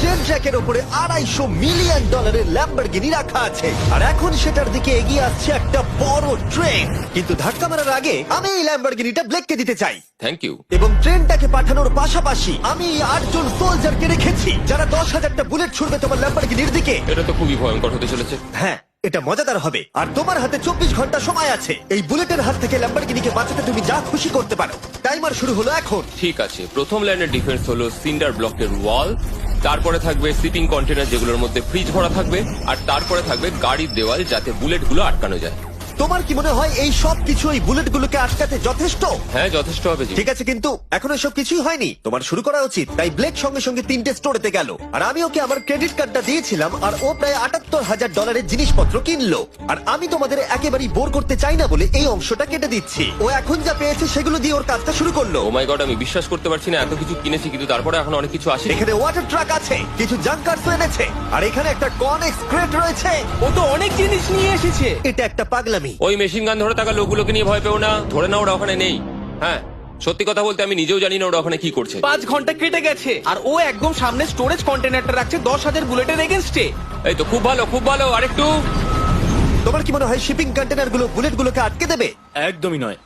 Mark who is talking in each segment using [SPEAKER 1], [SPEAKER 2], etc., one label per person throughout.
[SPEAKER 1] Train ট্র্যাকের উপরে $250 million Lamborghini রাখা আছে, আর এখন সেটার দিকে এগিয়ে আসছে একটা বড় ট্রেন। কিন্তু ধাক্কা মারার আগে আমি এই ল্যাম্বরগিনিটা ব্লেককে দিতে চাই।
[SPEAKER 2] Thank you.
[SPEAKER 1] এবং ট্রেনটাকে পাঠানোর পাশাপাশি আমি এই 8 জন সোলজারকে রেখেছি যারা 10,000টা বুলেট ছুড়বে তোমার ল্যাম্বরগিনির দিকে।
[SPEAKER 2] এটা তো খুবই ভয়ঙ্কর হতে চলেছে।
[SPEAKER 1] হ্যাঁ, এটা মজাদার হবে। আর তোমার হাতে 24 ঘন্টা সময় আছে। এই বুলেটের হাত থেকে ল্যাম্বরগিনিকে বাঁচাতে তুমি যা খুশি করতে পারো। টাইমার শুরু হলো এখন।
[SPEAKER 2] ঠিক আছে, প্রথম লাইনের ডিফেন্স হলো সিন্ডার ব্লকের ওয়াল, তারপরে থাকবে শিপিং কন্টেনার যেগুলোর মধ্যে ফ্রিজ ভরা থাকবে, আর তারপরে থাকবে গাড়ির দেওয়াল যাতে বুলেটগুলো আটকানো যায়।
[SPEAKER 1] তোমার কি মনে হয় এই সব কিছু এই বুলেটগুলোকে আটকাতে যথেষ্ট?
[SPEAKER 2] হ্যাঁ, যথেষ্ট হবে জি।
[SPEAKER 1] ঠিক আছে, কিন্তু এখন এসব কিছুই হয়নি। তোমার শুরু করা উচিত। তাই ব্লেক সঙ্গে সঙ্গে 3টে স্টোরেতে গেল, আর আমি ওকে আমার ক্রেডিট কার্ডটা দিয়েছিলাম, আর ও প্রায় $78,000 জিনিসপত্র কিনলো। আর আমি তোমাদের একেবারেই বোর করতে চাই না বলে এই অংশটা কেটে দিচ্ছি। ও এখন যা পেয়েছে সেগুলো দিয়ে ওর কাজটা শুরু করলো।
[SPEAKER 2] ও মাই গড, আমি বিশ্বাস করতে পারছি না এত কিছু কিনেছি কিন্তু তারপরে এখন অনেক কিছু আসে।
[SPEAKER 1] এখানে ওয়াটার ট্রাক আছে, কিছু জাঙ্কারস এনেছে, আর এখানে একটা কনেক্স ক্রেট রয়েছে।
[SPEAKER 3] ও তো অনেক জিনিস নিয়ে এসেছে।
[SPEAKER 1] এটা একটা পাগলামি।
[SPEAKER 2] ওই মেশিন গান ধরে থাকা লোকগুলোকে নিয়ে ভয় পেও না, ধরে না ওরা ওখানে নেই। হ্যাঁ, সত্যি কথা বলতে আমি নিজেও জানি না ওরা ওখানে কি করছে।
[SPEAKER 3] 5 ঘন্টা কেটে গেছে আর ও একদম সামনে স্টোরেজ কন্টেনারটা রাখছে 10,000 বুলেটের এগেনস্টে।
[SPEAKER 2] এই তো খুব ভালো, খুব ভালো। আরেকটু।
[SPEAKER 1] তোমার কি মনে হয় শিপিং কন্টেনারগুলো বুলেটগুলোকে আটকে দেবে?
[SPEAKER 4] একদমই নয়।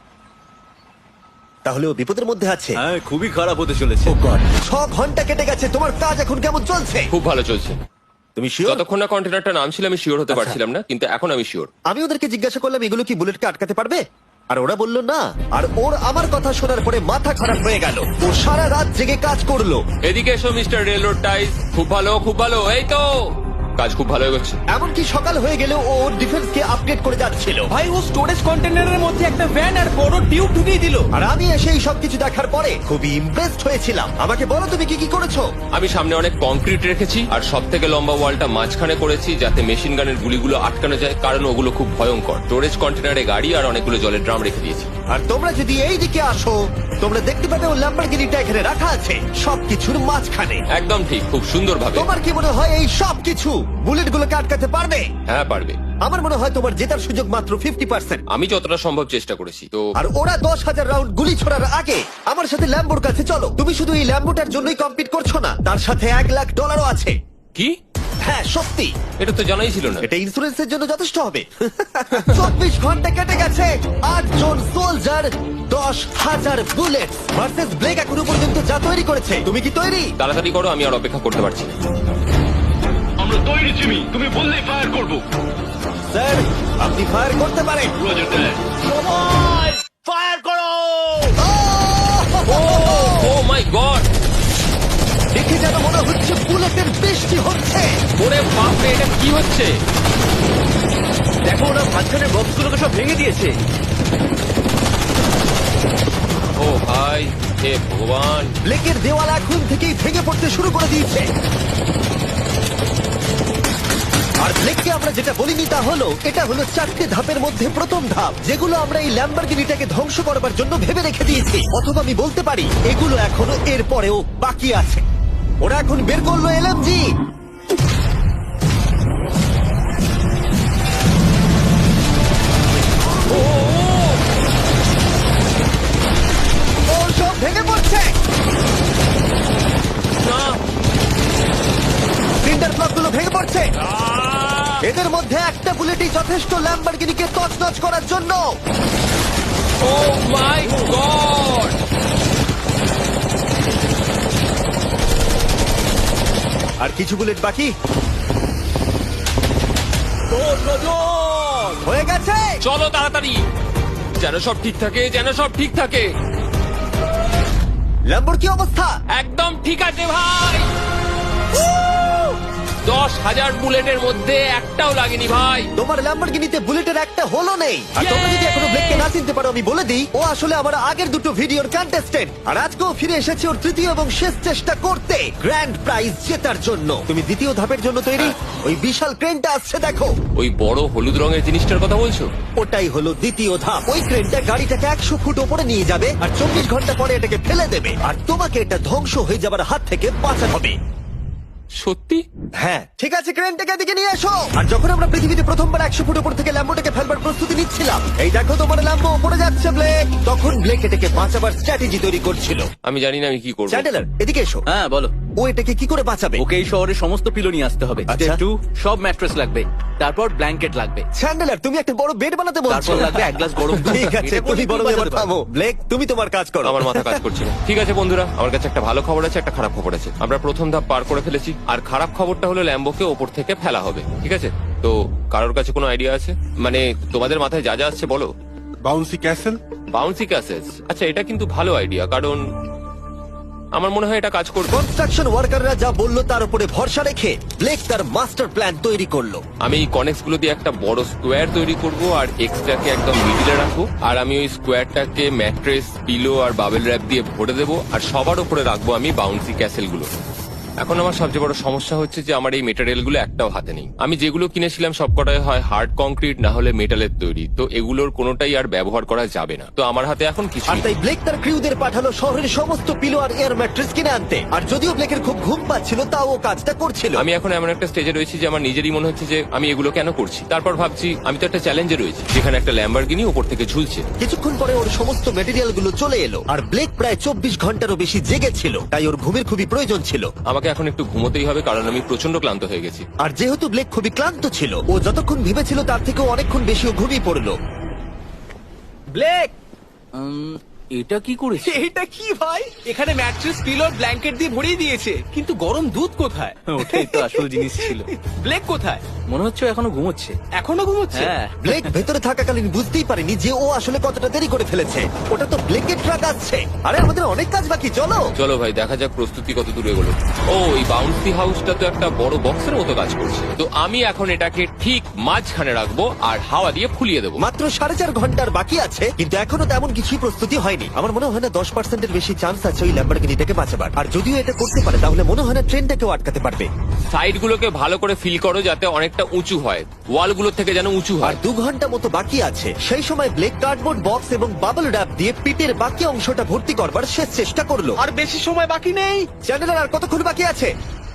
[SPEAKER 1] তাহলে ও বিপদের মধ্যে আছে।
[SPEAKER 4] হ্যাঁ, খুবই খারাপ হতে চলেছে।
[SPEAKER 1] ও গড, 6 ঘন্টা কেটে গেছে। তোমার কাজ এখন কেমন চলছে?
[SPEAKER 2] খুব ভালো চলছে।
[SPEAKER 1] তুমি শিওর?
[SPEAKER 2] যতক্ষণ না কন্টেনারটা নামছিল আমি শিওর হতে পারছিলাম না, কিন্তু এখন আমি শিওর।
[SPEAKER 1] আমি ওদেরকে জিজ্ঞাসা করলাম এগুলো কি বুলেটকে আটকাতে পারবে, আর ওরা বললো না। আর ওর আমার কথা শোনার পরে মাথা খারাপ হয়ে গেল। ও সারা রাত জেগে কাজ করলো।
[SPEAKER 2] এদিকে এসো মিস্টার রেলরোড টাইস। খুব ভালো, খুব ভালো। এই তো কাজ খুব ভালো এগোচ্ছে।
[SPEAKER 1] এমনকি সকাল হয়ে গেলেও ও ওর ডিফেন্সকে আপডেট করে যাচ্ছিল।
[SPEAKER 3] ভাই, ও স্টোরেজ কন্টেনারের মধ্যে একটা ভ্যান আর বড় টিউব ঢুকিয়ে দিল।
[SPEAKER 1] আর আমি এসে এই সবকিছু দেখার পরে খুবই ইমপ্রেসড হয়েছিলাম। আমাকে বলো তুমি কি কি করেছো?
[SPEAKER 2] আমি সামনে অনেক কংক্রিট রেখেছি আর সব থেকে লম্বা ওয়ালটা মাঝখানে করেছি যাতে মেশিন গানের গুলিগুলো আটকানো যায়, কারণ ওগুলো খুব ভয়ঙ্কর। স্টোরেজ কন্টেনারে গাড়ি আর অনেকগুলো জলের ড্রাম রেখে দিয়েছি।
[SPEAKER 1] আর তোমরা যদি এই দিকে আসো তোমরা দেখতে পাবে ও ল্যাম্বরগিনিটা এখানে রাখা আছে সবকিছুর মাঝখানে।
[SPEAKER 2] একদম ঠিক, খুব সুন্দর ভাবে।
[SPEAKER 1] তোমার কি মনে হয় এই সবকিছু বুলেটগুলোকে আটকাতে পারবে?
[SPEAKER 2] হ্যাঁ, পারবে।
[SPEAKER 1] আমার মনে হয় তোমার জেতার সুযোগ মাত্র 50%।
[SPEAKER 2] আমি যতটা সম্ভব চেষ্টা করেছি। তো
[SPEAKER 1] আর ওরা 10,000 রাউন্ড গুলি ছোড়ার আগে আমার সাথে ল্যাম্বোর কাছে চলো। তুমি শুধু এই ল্যাম্বোটার জন্যই কম্পিট করছো না, তার সাথে $1,00,000 আছে।
[SPEAKER 2] কি?
[SPEAKER 1] হ্যাঁ সত্যি,
[SPEAKER 2] এটা তো জানাই ছিল না।
[SPEAKER 1] এটা ইন্স্যুরেন্সের জন্য যথেষ্ট হবে। 24 ঘন্টা কেটে গেছে, 8 জন সোলজার, 10,000 বুলেট ভার্সেস ব্লেক এখনো পর্যন্ত যা তৈরি করেছে। তুমি কি তৈরি?
[SPEAKER 2] তাড়াতাড়ি করো, আমি আর অপেক্ষা করতে পারছি না।
[SPEAKER 5] আমরা তৈরি জিমি, তুমি বললেই ফায়ার করব।
[SPEAKER 1] স্যার, আপনি ফায়ার করতে পারেন।
[SPEAKER 5] রোজার দ্যাট।
[SPEAKER 1] ফায়ার করো!
[SPEAKER 2] ও মাই গড,
[SPEAKER 1] দেখে যেন মনে হচ্ছে বুলেটের বৃষ্টি হচ্ছে।
[SPEAKER 2] ওরে বাপ রে, এটা কি হচ্ছে?
[SPEAKER 4] দেখো, ওরা মাঝখানের বক্সগুলোকে সব ভেঙে দিয়েছে।
[SPEAKER 2] ও ভাই, হে ভগবান।
[SPEAKER 1] ব্লেকের দেওয়াল এখন থেকেই ভেঙে পড়তে শুরু করে দিয়েছে। আর ব্লেককে আমরা যেটা বলিনি তা হলো এটা হলো 4টে ধাপের মধ্যে প্রথম ধাপ, যেগুলো আমরা এই ল্যাম্বরগিনিটাকে ধ্বংস করবার জন্য ভেবে রেখে দিয়েছি। অথবা আমি বলতে পারি এগুলো এখনো এর পরেও বাকি আছে। ওরা এখন বের করলো এলএমজি। ও সব ভেঙে পড়ছে।
[SPEAKER 2] না,
[SPEAKER 1] সিন্ডার ব্লকগুলো ভেঙে পড়ছে। এদের মধ্যে একটা বুলেটই যথেষ্ট ল্যাম্বরগিনিকে তছনছ করার জন্য।
[SPEAKER 2] ও মাই গড।
[SPEAKER 1] আর কিছু বুলেট বাকি। হয়ে গেছে।
[SPEAKER 2] চলো তাড়াতাড়ি, যেন সব ঠিক থাকে, যেন সব ঠিক থাকে।
[SPEAKER 1] ল্যাম্বোর কি অবস্থা?
[SPEAKER 2] একদম ঠিক আছে ভাই। 10,000 বুলেটের মধ্যে একটাও লাগেনি ভাই।
[SPEAKER 1] তোমার ল্যাম্বরগিনিতে বুলেটের একটা হলো নেই। আর তোমরা যদি এখনো ব্লেককে না চিনতে পারো আমি বলে দিই, ও আসলে আমার আগের দুটো ভিডিওর কন্টেস্টেন্ট। আর আজকেও ফিরে এসেছে ওর তৃতীয় এবং শেষ চেষ্টা করতে গ্র্যান্ড প্রাইজ জেতার জন্য। তুমি দ্বিতীয় ধাপের জন্য তৈরি? ওই বিশাল ক্রেনটা আসছে দেখো।
[SPEAKER 2] ওই বড় হলুদ রঙের জিনিসটার কথা বলছো?
[SPEAKER 1] ওটাই হলো দ্বিতীয় ধাপ। ওই ক্রেনটা গাড়িটাকে 100 ফুট ওপরে নিয়ে যাবে আর 24 ঘন্টা পরে এটাকে ফেলে দেবে। আর তোমাকে এটা ধ্বংস হয়ে যাবার হাত থেকে বাঁচাতে হবে।
[SPEAKER 2] সত্যি?
[SPEAKER 1] হ্যাঁ ঠিক আছে, ক্রেনটাকে এদিকে নিয়ে এসো। আর যখন আমরা পৃথিবীতে প্রথমবার 100 ফুট উপর থেকে ল্যাম্বোটাকে ফেলবার প্রস্তুতি নিচ্ছিলাম, এই দেখো তোমার ল্যাম্বো উপরে যাচ্ছে ব্লেক, তখন ব্লেক এটাকে বাঁচাবার স্ট্র্যাটেজি তৈরি করছিল।
[SPEAKER 2] আমি জানি না আমি কি করবো।
[SPEAKER 1] চ্যান্ডেলার এদিকে এসো।
[SPEAKER 4] হ্যাঁ বলো।
[SPEAKER 1] ও এটাকে কি করে বাঁচাবে?
[SPEAKER 4] ওকে এই শহরে সমস্ত পিলো নিয়ে আসতে হবে।
[SPEAKER 1] আচ্ছা।
[SPEAKER 4] স্টেপ 2 সব ম্যাট্রেস লাগবে, তারপর ব্ল্যাঙ্কেট লাগবে,
[SPEAKER 1] চ্যান্ডেলার তুমি একটা বড় বেড বানাতে বলছো?
[SPEAKER 4] তারপর লাগবে এক গ্লাস গরম দুধ।
[SPEAKER 1] ঠিক আছে,
[SPEAKER 4] এটা
[SPEAKER 1] তুমি
[SPEAKER 4] করে
[SPEAKER 1] বড়
[SPEAKER 4] তুমি
[SPEAKER 1] এবার
[SPEAKER 4] বাঁচাতে
[SPEAKER 1] থামো। ব্লেক তুমি তোমার কাজ করো।
[SPEAKER 2] আমার মাথা কাজ করছে না। ঠিক আছে বন্ধুরা, আমার কাছে একটা ভালো খবর আছে, একটা খারাপ খবর আছে। আমরা প্রথম ধাপ পার করে ফেলেছি, আর খারাপ খবরটা হলো ল্যাম্বোকে ওপর থেকে ফেলা হবে। ঠিক আছে, তো কারোর কাছে কোনো আইডিয়া আছে? মানে তোমাদের মাথায় যা যা আসছে বলো।
[SPEAKER 6] Bouncy castle.
[SPEAKER 2] বাউন্সি ক্যাসেস, আচ্ছা এটা কিন্তু ভালো আইডিয়া, কারণ আমার মনে হয় এটা কাজ করবে।
[SPEAKER 1] কনস্ট্রাকশন ওয়ার্কাররা যা বললো তার উপরে ভরসা রেখে ব্লেক তার মাস্টার প্ল্যান তৈরি করলো।
[SPEAKER 2] আমি এই কনেক্স গুলো দিয়ে একটা বড় স্কোয়ার তৈরি করব, আর এক্সট্রাকে একদম মিডিলে রাখবো, আর আমি ওই স্কোয়ারটাকে ম্যাট্রেস, পিলো আর বাবেল র্যাপ দিয়ে ভরে দেবো, আর সবার উপরে রাখবো আমি বাউন্সি ক্যাসেল গুলো। এখন আমার সবচেয়ে বড় সমস্যা হচ্ছে যে আমার এই মেটেরিয়াল গুলো একটাও হাতে নেই। আমি যেগুলো কিনেছিলাম সবকটাই হয় হার্ড কংক্রিট না হলে মেটালের তৈরি, তো এগুলোর কোনোটাই আর ব্যবহার করা যাবে না। তো আমার হাতে এখন কিছু
[SPEAKER 1] আর তাই ব্লেক তার ক্রিউদের পাঠালো শহরের সমস্ত পিলো আর এয়ার ম্যাট্রেস কিনে আনতে। আর যদিও ব্লেকের খুব ঘুম পাচ্ছিল, তাও ও কাজটা করছিল।
[SPEAKER 2] আমি এখন এমন একটা স্টেজে রয়েছি যে আমার নিজেরই মনে হচ্ছে যে আমি এগুলো কেন করছি। তারপর ভাবছি আমি তো একটা চ্যালেঞ্জে রয়েছি, যেখানে একটা ল্যাম্বরগিনি উপর থেকে ঝুলছে।
[SPEAKER 1] কিছুক্ষণ পরে ওর সমস্ত মেটেরিয়াল গুলো চলে এলো, আর ব্লেক প্রায় 24 ঘন্টারও বেশি জেগেছিল, তাই ওর ঘুমের খুবই প্রয়োজন ছিল।
[SPEAKER 2] আমাকে এখন একটু ঘুমোতেই হবে, কারণ আমি প্রচন্ড ক্লান্ত হয়ে গেছি।
[SPEAKER 1] আর যেহেতু ব্লেক খুবই ক্লান্ত ছিল, ও যতক্ষণ ভেবেছিল তার থেকেও অনেকক্ষণ বেশি ও ঘুমিয়ে পড়লো।
[SPEAKER 3] ব্লেক,
[SPEAKER 4] এটা কি করেছে?
[SPEAKER 3] এটা কি ভাই? এখানে ম্যাট্রেস, পিলো, ব্ল্যাঙ্কেট দিয়ে ভরিয়ে দিয়েছে, কিন্তু গরম দুধ কোথায়?
[SPEAKER 4] ওটাই তো আসল জিনিস ছিল।
[SPEAKER 3] ব্লেক কোথায়?
[SPEAKER 4] মনে হচ্ছে ও এখনো ঘুমোচ্ছে।
[SPEAKER 3] এখনো ঘুমোচ্ছে?
[SPEAKER 4] হ্যাঁ।
[SPEAKER 1] ব্লেক ভেতরে থাকাকালীন বুঝতেই পারেনি যে ও আসলে কতটা দেরি করে ফেলেছে। ওটা তো ব্লেকের ট্রাক আসছে। আরে আমাদের অনেক কাজ বাকি, চলো।
[SPEAKER 2] চলো ভাই, দেখা যাক প্রস্তুতি কত দূরে এগোলো। ও, এই বাউন্সি হাউসটা তো একটা বড় বক্সের মতো কাজ করছে। তো আমি এখন এটাকে ঠিক মাঝখানে রাখবো আর হাওয়া দিয়ে ফুলিয়ে দেবো।
[SPEAKER 1] মাত্র 4.5 ঘন্টার বাকি আছে, কিন্তু এখনো তেমন কিছুই প্রস্তুতি হয়নি। আমার মনে হয় না 10%-এর বেশি চান্স আছে ওই ল্যাম্বরগিনিটাকে বাঁচাবার। আর যদিও এটা করতে পারে, তাহলে মনে হয় না ট্রেনটাকেও আটকাতে পারবে।
[SPEAKER 2] সাইড গুলোকে ভালো করে ফিল করো যাতে অনেকটা উঁচু হয়, ওয়াল গুলোর থেকে যেন উঁচু
[SPEAKER 1] আর
[SPEAKER 2] হয়।
[SPEAKER 1] 2 ঘন্টা মতো বাকি আছে। সেই সময় ব্লেক কার্ডবোর্ড বক্স এবং বাবল র্যাপ দিয়ে পিটের বাকি অংশটা ভর্তি করবার শেষ চেষ্টা করলো।
[SPEAKER 3] আর বেশি সময় বাকি নেই।
[SPEAKER 1] চ্যানেলের আর কতক্ষণ বাকি আছে?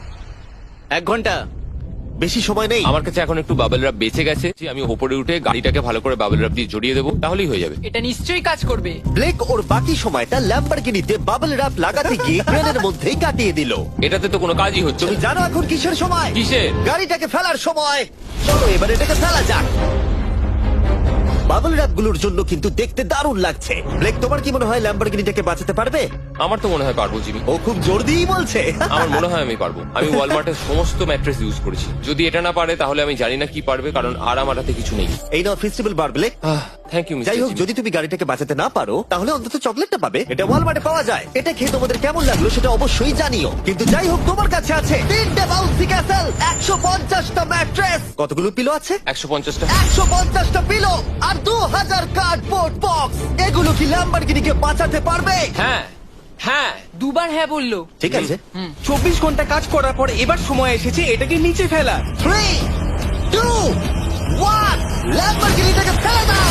[SPEAKER 4] 1 ঘন্টা।
[SPEAKER 1] বেশি সময় নেই।
[SPEAKER 2] আমার কাছে এখন একটু বাবেল র্যাপ বেঁচে গেছে, যে আমি উপরে উঠে গাড়িটাকে ভালো করে বাবেল র্যাপ দিয়ে জড়িয়ে দেবো, তাহলেই হয়ে যাবে।
[SPEAKER 7] এটা নিশ্চয়ই কাজ করবে।
[SPEAKER 1] ব্লেক ওর বাকি সময়টা ল্যাম্বরগিনিতে বাবল র্যাপ লাগাতে গিয়ে ট্রেনের মধ্যেই কাটিয়ে দিল।
[SPEAKER 2] এটাতে তো কোনো কাজই হচ্ছে
[SPEAKER 1] তুমি
[SPEAKER 2] না।
[SPEAKER 1] জানো এখন কিসের সময়?
[SPEAKER 2] কিসের?
[SPEAKER 1] গাড়িটাকে ফেলার সময়। চলো এবার এটাকে ফেলা যাক। বাবল র্যাপ গুলোর জন্য কিন্তু দেখতে দারুণ লাগছে। ব্লেক, তোমার কি মনে হয় ল্যাম্বরগিনিটাকে বাঁচাতে পারবে?
[SPEAKER 2] আমার তো মনে হয় পারবো জিমি।
[SPEAKER 1] ও খুব জোর দিয়েই বলছে।
[SPEAKER 2] আমার মনে হয় আমি পারবো। আমি ওয়ালমার্টের সমস্ত ম্যাট্রেস ইউজ করেছি। যদি এটা না পারে তাহলে আমি জানি না কি পারবে, কারণ আর আমার হাতে কিছু নেই।
[SPEAKER 1] এই নাও ফেস্টিভ্যাল বার ব্লেক।
[SPEAKER 2] থ্যাংক ইউ
[SPEAKER 1] যাই হোক, যদি তুমি গাড়িটাকে বাঁচাতে না পারো, তাহলে অন্তত চকলেটটা পাবে। এটা ওয়ালমার্টে পাওয়া যায়। এটা খেয়ে তোমাদের কেমন লাগলো সেটা অবশ্যই জানিও। কিন্তু যাই হোক, তোমার কাছে আছে 3টে বাউন্সি ক্যাসেল, 150টা ম্যাট্রেস, কতগুলো পিলো আছে?
[SPEAKER 2] 150টা।
[SPEAKER 1] 150টা পিলো আর 2000 কার্ডবোর্ড বক্স। এগুলো কি ল্যাম্বরগিনিকে বাঁচাতে পারবে?
[SPEAKER 2] হ্যাঁ হ্যাঁ।
[SPEAKER 7] দুবার হ্যাঁ বললো।
[SPEAKER 1] ঠিক আছে।
[SPEAKER 3] 24 ঘন্টা কাজ করার পর এবার সময় এসেছে এটাকে নিচে ফেলা।
[SPEAKER 1] 3, 2, 1, ল্যাম্বরগিনিটাকে ফেলে দাও।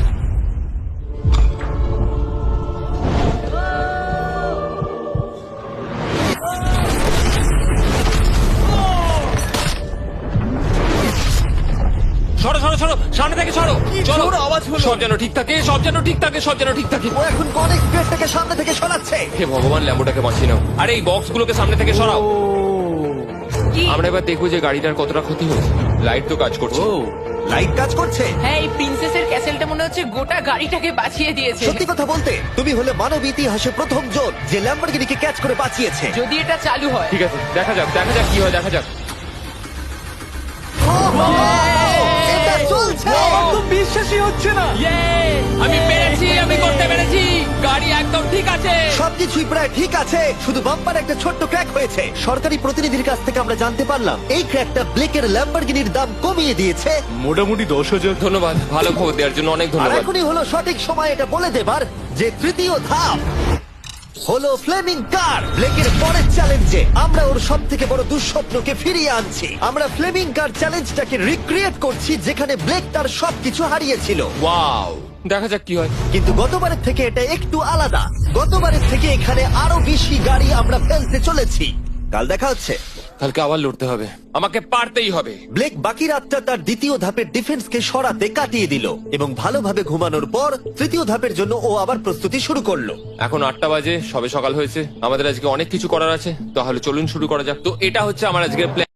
[SPEAKER 2] সরো সরো সরো, সামনে থেকে সরো। চলো,
[SPEAKER 3] জোর আওয়াজ হলো।
[SPEAKER 2] সব যেন ঠিক থাকে, সব যেন ঠিক থাকে, সব যেন ঠিক থাকে।
[SPEAKER 1] ও এখন কনেক্স প্লেটটাকে সামনে থেকে সরাচ্ছে।
[SPEAKER 2] হে ভগবান, ল্যাম্বোটাকে বাঁচিয়ে নাও। আরে এই বক্স গুলোকে সামনে থেকে সরাও।
[SPEAKER 7] কি?
[SPEAKER 2] আমরা এবার দেখবো যে গাড়িটার কতটা ক্ষতি হয়েছে। লাইট তো কাজ করছে।
[SPEAKER 4] ও
[SPEAKER 1] লাইট কাজ করছে।
[SPEAKER 7] হ্যাঁ, এই প্রিন্সেসের ক্যাসেলটা মনে হচ্ছে গোটা গাড়িটাকে বাঁচিয়ে দিয়েছে।
[SPEAKER 1] সত্যি কথা বলতে, তুমি হলে মানব ইতিহাসে প্রথম জন যে ল্যাম্বরগিনিকে ক্যাচ করে বাঁচিয়েছে।
[SPEAKER 7] যদি এটা চালু হয়।
[SPEAKER 2] ঠিক আছে, দেখা যাক দেখা যাক কি হয়, দেখা যাক।
[SPEAKER 1] এটা চলছে।
[SPEAKER 3] আমার তো বিশ্বাসই হচ্ছে না।
[SPEAKER 2] আমি পেরেছি, আমি করতে পেরেছি। গাড়ি একদম ঠিক আছে।
[SPEAKER 1] সবকিছুই প্রায় ঠিক আছে, শুধু বাম্পার একটা ছোট্ট ক্র্যাক হয়েছে। সরকারি প্রতিনিধির কাছ থেকে আমরা জানতে পারলাম এই ক্র্যাকটা ব্লেকের ল্যাম্বরগিনির দাম কমিয়ে দিয়েছে।
[SPEAKER 6] মোটামুটি 10,000।
[SPEAKER 2] ধন্যবাদ, ভালো খবর দেওয়ার জন্য অনেক
[SPEAKER 1] আর
[SPEAKER 2] ধন্যবাদ।
[SPEAKER 1] এখনই হলো সঠিক সময় এটা বলে দেবার যে তৃতীয় ধাপ হলো ফ্লেমিং কার। ব্লেকের পরের চ্যালেঞ্জে আমরা ওর সব থেকে বড় দুঃস্বপ্নকে ফিরিয়ে আনছি। আমরা ফ্লেমিং কার চ্যালেঞ্জটাকে রিক্রিয়েট করছি, যেখানে ব্লেক তার সবকিছু হারিয়েছিল।
[SPEAKER 2] ওয়াও, দেখা যাক কি হয়।
[SPEAKER 1] কিন্তু গতবারের থেকে এটা একটু আলাদা। গতবারের থেকে এখানে আরো বেশি গাড়ি আমরা ফেলতে চলেছি। কাল দেখা হচ্ছে।
[SPEAKER 2] কালকে আবার লড়তে হবে, আমাকে পারতেই হবে।
[SPEAKER 1] ব্লেক বাকি রাতটা তার দ্বিতীয় ধাপের ডিফেন্সকে সরাতে কাটিয়ে দিল এবং ভালোভাবে ঘুমানোর পর তৃতীয় ধাপের জন্য ও আবার প্রস্তুতি শুরু করলো।
[SPEAKER 2] এখন 8টা বাজে, সবে সকাল হয়েছে, আমাদের আজকে অনেক কিছু করার আছে, তাহলে চলুন শুরু করা যাক। তো এটা হচ্ছে আমার আজকের প্ল্যান।